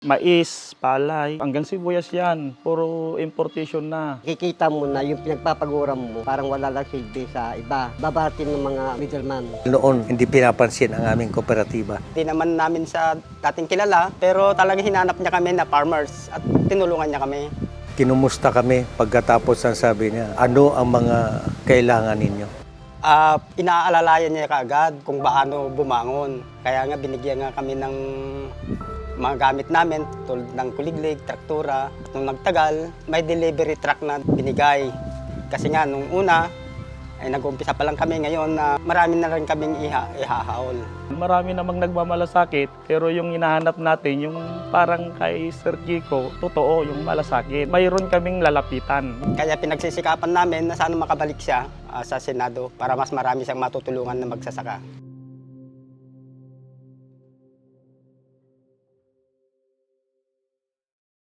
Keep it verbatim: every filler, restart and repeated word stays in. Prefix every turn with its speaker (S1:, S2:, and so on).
S1: Mais, palay, hanggang sibuyas yan. Puro importation na.
S2: Kikita mo na yung pinagpapaguram mo, parang wala lang silbi sa iba. Babatin ng mga middleman.
S3: Noon, hindi pinapansin ang aming kooperatiba.
S4: Hindi naman namin sa dating kilala, pero talagang hinanap niya kami na farmers at tinulungan niya kami.
S3: Kinumusta kami pagkatapos ang sabi niya, ano ang mga kailangan ninyo?
S4: Uh, inaalalayan niya kaagad kung paano bumangon. Kaya nga binigyan nga kami ng mga gamit namin tulad ng kuliglig, traktura. Nung nagtagal, may delivery truck na binigay. Kasi nga nung una, ay nag-umpisa pa lang kami ngayon na marami na rin kaming iha, ihahaol.
S1: Marami namang nagmamalasakit, pero yung hinahanap natin, yung parang kay Sir Kiko, totoo yung malasakit. Mayroon kaming lalapitan.
S4: Kaya pinagsisikapan namin na sana makabalik siya uh, sa Senado para mas marami siyang matutulungan na magsasaka.